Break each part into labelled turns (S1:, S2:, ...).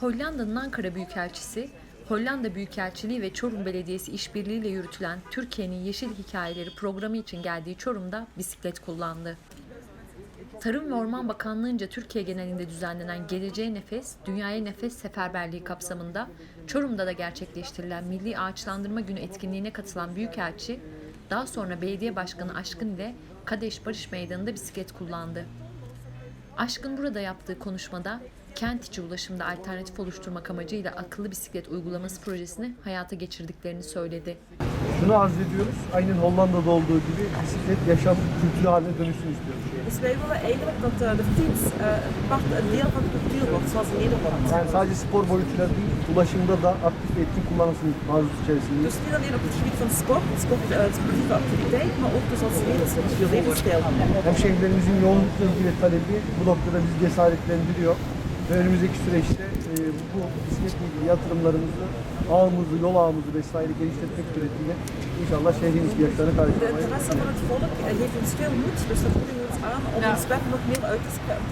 S1: Hollanda'nın Ankara Büyükelçisi, Hollanda Büyükelçiliği ve Çorum Belediyesi işbirliğiyle yürütülen Türkiye'nin Yeşil Hikayeleri programı için geldiği Çorum'da bisiklet kullandı. Tarım ve Orman Bakanlığı'nca Türkiye genelinde düzenlenen Geleceğe Nefes, Dünyaya Nefes seferberliği kapsamında Çorum'da da gerçekleştirilen Milli Ağaçlandırma Günü etkinliğine katılan Büyükelçi, daha sonra Belediye Başkanı Aşkın ile Kadeş Barış Meydanı'nda bisiklet kullandı. Aşkın burada yaptığı konuşmada kent içi ulaşımda alternatif oluşturmak amacıyla akıllı bisiklet uygulaması projesini hayata geçirdiklerini söyledi.
S2: Şunu arz ediyoruz, aynen Hollanda'da olduğu gibi bisiklet yaşam kültürü haline dönüşsün istiyoruz.
S3: Dus wij willen eigenlijk dat de fiets een deel van de cultuur wordt, zoals in Nederland.
S2: Yani sadece spor boyutuyla değil, ulaşımda da aktif ve etkin kullanılsın arzusu içerisindeyiz.
S3: Dus niet alleen op het gebied van sportieve activiteit, maar ook dus als levensstijl.
S2: Hemşehrilerimizin yoğun ilgi ve talebi bu noktada bizi cesaretlendiriyor. Ve önümüzdeki süreçte bu bisikletle ilgili yatırımlarımızı, ağımızı, yol ağımızı vesaire genişletmek suretiyle inşallah şehrin ihtiyaçlarını
S3: De
S2: karşılamayı.
S3: interesse van het volk geeft ons veel moed, dus dat moedigen we ons aan om ons web nog meer uit te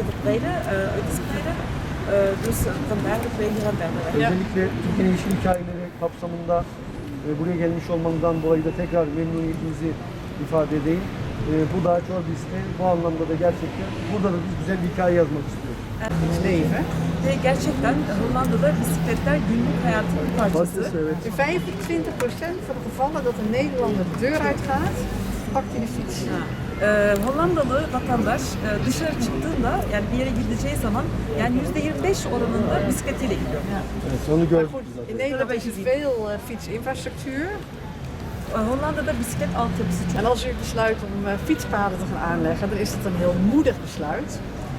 S3: spreiden. Dus vandaar dat wij hier aan verder werken.
S2: Özellikle Türkiye'nin yeşil hikayeleri kapsamında buraya gelmiş olmamızdan dolayı da tekrar memnuniyetimizi ifade edeyim. Bu daha Çorbis'te bu anlamda da gerçekten burada da biz güzel bir hikaye yazmak istiyoruz.
S4: Leven.
S3: Ve gerçekten Hollanda'da bisikletler günlük hayatın bir parçası.
S2: Evet.
S4: In 25% van de gevallen dat een Nederlander de deur uitgaat, pakt hij de fiets.
S3: Hollandalı vatandaş dışarı çıktığında, yani bir yere gideceği zaman, yani %25 oranında bisikletiyle gidiyor.
S2: Evet, onu
S4: Maar
S2: gördük
S4: goed,
S2: biz zaten.
S4: in Nederland is er veel fietsinfrastructuur.
S3: Hollanda'da bisiklet altyapısı çok.
S4: En als u besluit om fietspaden te gaan aanleggen, dan is dat een heel moedig besluit.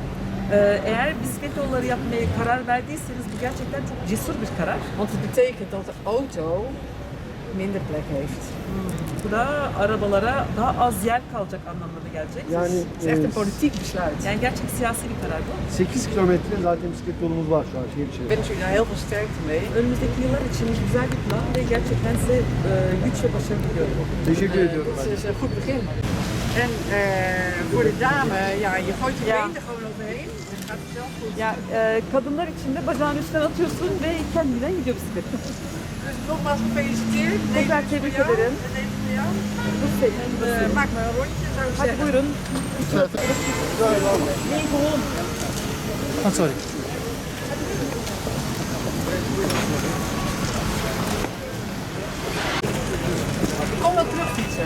S3: Eğer bisiklet yolları yapmaya karar verdiyseniz bu gerçekten çok cesur bir karar.
S4: Want het betekent dat de auto minder plek heeft.
S3: Bu da arabalara daha az yer kalacak anlamına gelecek.
S2: Yani
S4: Het is echt een politiek besluit.
S3: Yani gerçek siyasi bir karar bu.
S2: 8 kilometre zaten bisiklet yolumuz var şu an şehir
S4: Ik
S2: içerisinde.
S4: wens u daar heel veel sterkte mee.
S3: Önümüzdeki yıllar için güzel bir plan ve gerçekten size güç ve başarı diliyorum.
S2: Teşekkür ediyorum.
S4: Het is een goed begin. En voor de dame, ja, je gooit je been er gewoon overheen. Het gaat zelf goed.
S3: Ya kadınlar için de bacağın üstüne atıyorsun ve kendinden gidiyor bisiklet.
S4: Dus nogmaals gefeliciteerd.
S3: Tekrar tebrik ederim. Bu senin.
S4: Maak maar een rondje, zou ik
S3: Hadi
S4: zeggen.
S3: buyurun.
S2: Sorry.
S4: Ik kom wel terug fietsen.